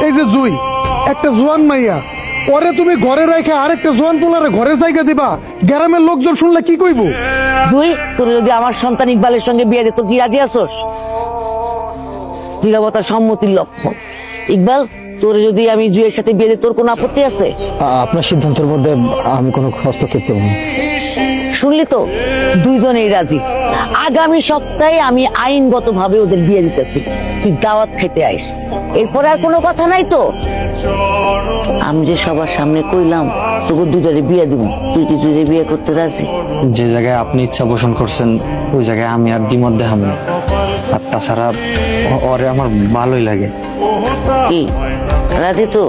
এই যে জুই একটা জোয়ান মাইয়া, ওরে তুমি ঘরে রেখে আরেকটা জোয়ান পোলারে ঘরের জায়গা দিবা, গ্রামের লোকজন শুনলে কি কইবো? তুই তোর যদি আমার সন্তান ইকবালের সঙ্গে বিয়ে দিত কি রাজি আছোস? নীরবতা সম্মতির লক্ষণ। ইকবাল, তোর যদি আমি জুয়ের সাথে বিয়ে দিই তোর কোনো আপত্তি আছে? আপনার সিদ্ধান্তের মধ্যে আমি কোনো হস্তক্ষেপ করব না। শুনলি তো, দুইজনেই রাজি। আগামী সপ্তাহে আমি আইনগতভাবে ওদের বিয়ে দিতেছি। তুই দাওয়াত খেতে আইস, এরপর আর কোনো কথা নাই তো? আমি যে সবার সামনে কইলাম তোকে দুজনে বিয়ে দিব, তুই কি জুড়ে বিয়ে করতে রাজি? যে জায়গায় আপনি ইচ্ছা পোষণ করছেন ওই জায়গায় আমি আর দ্বিমত দেখাবো না। আর তাছাড়া ওরে আমার ভালোই লাগে। কি রাজি তো?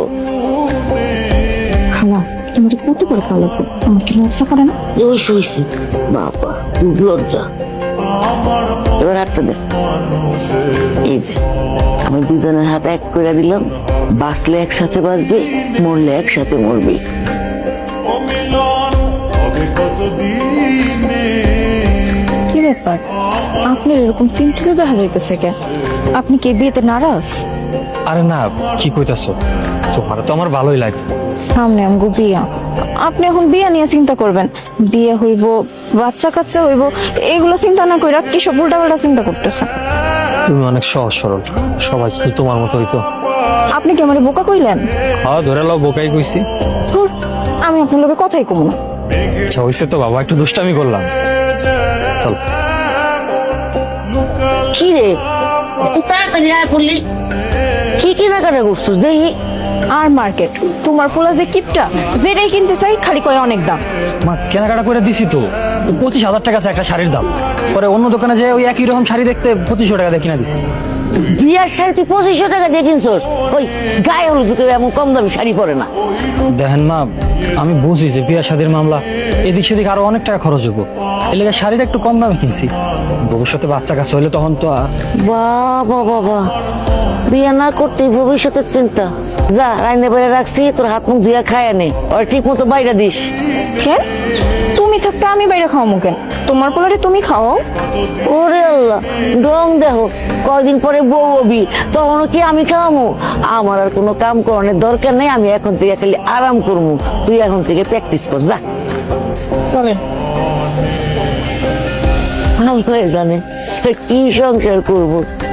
খালা তোমার কত করে পালাবো, আমাকে লজ্জা করে না? হইছে হইছে, বাবা খুব লজ্জা। এবার হাতটা দে। এই যে আমি দুজনের হাত এক করে দিলাম, বাঁচলে একসাথে বাঁচবি, মরলে একসাথে মরবি। কি ব্যাপার, আপনার এরকম চিন্তিত দেখা যাইতেছে কেন? আপনি কি বিয়েতে নারাজ? আরে না, কি কইতাছো, তোমার তো আমার ভালোই লাগে। সামনে আমগো বিয়া, আপনি এখন বিয়া নিয়ে চিন্তা করবেন? বিয়ে হইব, বাচ্চা কাচ্চা হইব, এগুলো চিন্তা না কইরা কি সব উল্টাপাল্টা চিন্তা করতেছেন? তুমি অনেক সহজ সরল, সবাই তো তোমার মতো হইতো। আপনি কি আমার বোকা কইলেন? হ্যাঁ ধরে লাও, বোকাই কইছি। ধুর, আমি আপনার লোকে কথাই কম না। আচ্ছা হইছে তো বাবা, একটু দুষ্টামি করলাম। চল। কি রে, তুই তাড়াতাড়ি আয় পড়লি, কি কেনাকাটা করছিস দেখি? আর মার্কেট, তোমার পোলা যে কিপটা, যেটাই কিনতে চাই খালি কয় অনেক দাম। মা কেনাকাটা করে দিছি তো, 25,000 টাকা আছে একটা শাড়ির দাম। পরে অন্য দোকানে যে ওই একই রকম শাড়ি দেখতে 2500 টাকা দিয়ে কিনা দিছি। বিয়ার শাড়ি তুই 2500 টাকা দিয়ে কিনছস? ওই গায়ে হলুদ কেউ এমন কম দামি শাড়ি পরে না। দেখেন মা, আমি বুঝি যে বিয়া শাদীর মামলা, এদিক সেদিক আরো অনেক টাকা খরচ হবো, এর লেগে শাড়িটা একটু কম দামে কিনছি। ভবিষ্যতে বাচ্চা কাছে হইলে তখন তো বাবা বাবা, বিয়ে না করতে ভবিষ্যতের চিন্তা। যা রাইন্দে বেড়ে রাখছি, তোর হাত মুখ ধুয়া খায় নে, আর ঠিক মতো বাইরে দিস। কেন তুমি থাকতে আমি বাইরে খাওয়ামু কেন? তোমার পোলারে তুমি খাওয়াও। ওরে আল্লাহ, ডং দেখো, কয়দিন পরে বউ হবি, তখনও কি আমি খাওয়ামু? আমার আর কোনো কাম করানোর দরকার নেই, আমি এখন থেকে খালি আরাম করবো। তুই এখন থেকে প্র্যাকটিস কর, যা। চলেন। আল্লাহ জানে কি সংসার করবো।